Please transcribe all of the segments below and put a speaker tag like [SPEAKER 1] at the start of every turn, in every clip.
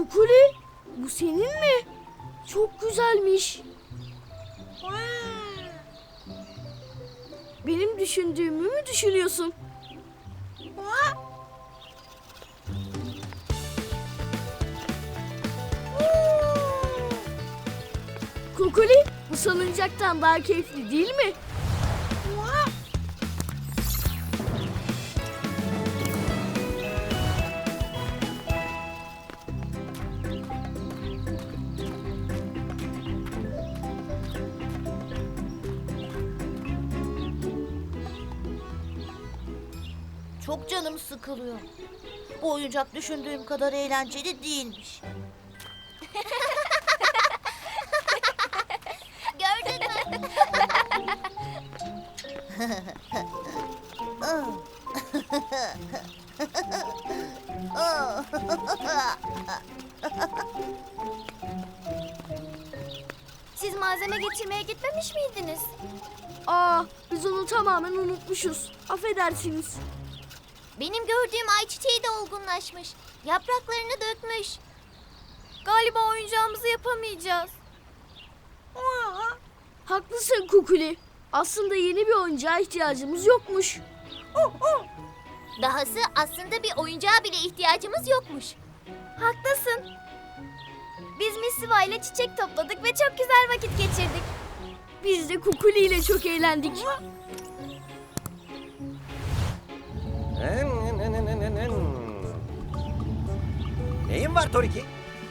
[SPEAKER 1] Kukuli, bu senin mi? Çok güzelmiş. Benim düşündüğümü mü düşünüyorsun? Kukuli, bu salıncaktan daha keyifli değil mi?
[SPEAKER 2] Çok canım sıkılıyor. Bu oyuncak düşündüğüm kadar eğlenceli değilmiş. Gördün mü?
[SPEAKER 3] Siz malzeme getirmeye gitmemiş miydiniz?
[SPEAKER 1] Biz onu tamamen unutmuşuz. Affedersiniz.
[SPEAKER 3] Benim gördüğüm ayçiçeği de olgunlaşmış. Yapraklarını dökmüş. Galiba oyuncağımızı yapamayacağız.
[SPEAKER 1] Haklısın Kukuli. Aslında yeni bir oyuncağa ihtiyacımız yokmuş.
[SPEAKER 3] Dahası aslında bir oyuncağa bile ihtiyacımız yokmuş. Haklısın. Biz Missiva ile çiçek topladık ve çok güzel vakit geçirdik.
[SPEAKER 1] Biz de Kukuli ile çok eğlendik.
[SPEAKER 4] Neyin var Toriki?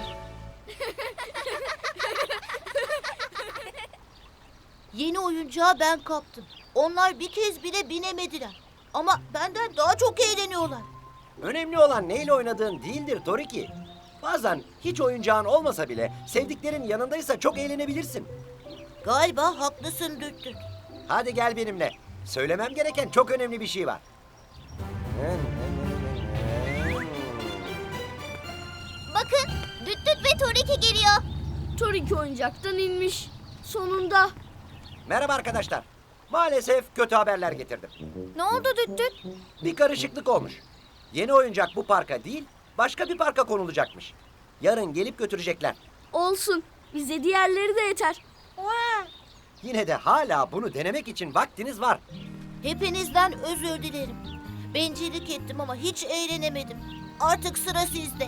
[SPEAKER 2] Yeni oyuncağı ben kaptım. Onlar bir kez bile binemediler. Ama benden daha çok eğleniyorlar.
[SPEAKER 4] Önemli olan neyle oynadığın değildir Toriki. Bazen hiç oyuncağın olmasa bile sevdiklerin yanındaysa çok eğlenebilirsin.
[SPEAKER 2] Galiba haklısın Düt Düt.
[SPEAKER 4] Hadi gel benimle. Söylemem gereken çok önemli bir şey var.
[SPEAKER 3] Bakın, Düt Düt ve Toriki geliyor.
[SPEAKER 1] Toriki oyuncaktan inmiş. Sonunda.
[SPEAKER 4] Merhaba arkadaşlar. Maalesef kötü haberler getirdim.
[SPEAKER 3] Ne oldu Düt Düt?
[SPEAKER 4] Bir karışıklık olmuş. Yeni oyuncak bu parka değil, başka bir parka konulacakmış. Yarın gelip götürecekler.
[SPEAKER 1] Olsun. Bize diğerleri de yeter.
[SPEAKER 4] Yine de hala bunu denemek için vaktiniz var.
[SPEAKER 2] Hepinizden özür dilerim. Bencillik ettim ama hiç eğlenemedim. Artık sıra sizde.